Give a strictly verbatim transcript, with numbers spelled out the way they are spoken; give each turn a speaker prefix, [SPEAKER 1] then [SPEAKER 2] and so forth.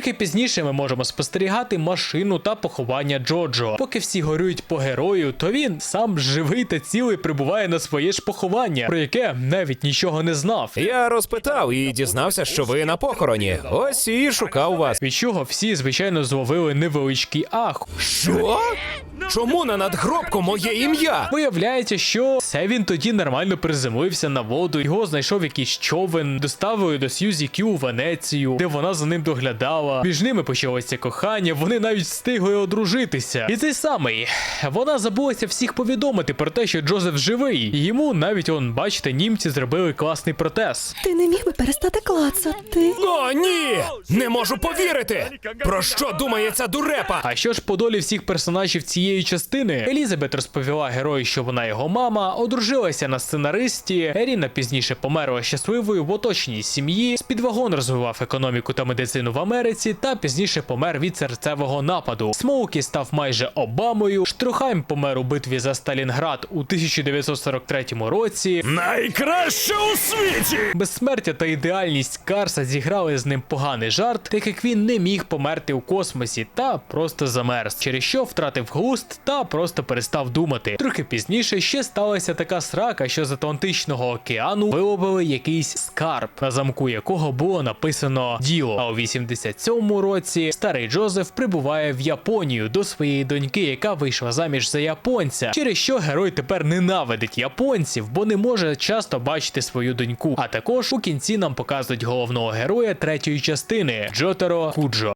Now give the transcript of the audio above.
[SPEAKER 1] Трохи пізніше ми можемо спостерігати машину та поховання Джоджо. Поки всі горюють по герою, то він сам живий та цілий прибуває на своє ж поховання, про яке навіть нічого не знав.
[SPEAKER 2] Я розпитав і дізнався, що ви на похороні. Ось і шукав вас.
[SPEAKER 1] Від чого всі, звичайно, зловили невеличкий ах.
[SPEAKER 2] Що? Чому на надгробку моє ім'я?
[SPEAKER 1] Виявляється, що це він тоді нормально приземлився на воду, його знайшов якийсь човен, доставили до Сьюзі Кью у Венецію, де вона за ним доглядала. Між ними почалося кохання, вони навіть встигли одружитися. І цей самий, вона забулася всіх повідомити про те, що Джозеф живий. І йому навіть, он, бачите, німці зробили класний протез.
[SPEAKER 3] Ти не міг би перестати клацати?
[SPEAKER 2] О, ні! Не можу повірити! Про що думає ця дурепа?
[SPEAKER 1] А що ж по долі всіх персонажів цієї частини? Елізабет розповіла герою, що вона його мама, одружилася на сценаристі, Еріна пізніше померла щасливою в оточеній сім'ї, Спідвагон розвивав економіку та медицину в Америці, та пізніше помер від серцевого нападу. Смоукі став майже Обамою, Штрухайм помер у битві за Сталінград у тисяча дев'ятсот сорок третьому році.
[SPEAKER 2] Найкраще у світі!
[SPEAKER 1] Безсмертя та ідеальність Карса зіграли з ним поганий жарт, так як він не міг померти у космосі та просто замерз, через що втратив глузд та просто перестав думати. Трохи пізніше ще сталася така срака, що з Атлантичного океану виловили якийсь скарб, на замку якого було написано «Діло». А у вісімдесят сьомому році старий Джозеф прибуває в Японію до своєї доньки, яка вийшла заміж за японця, через що герой тепер ненавидить японців, бо не може часто бачити свою доньку. А також у кінці нам показують головного героя третьої частини – Джотаро Куджо.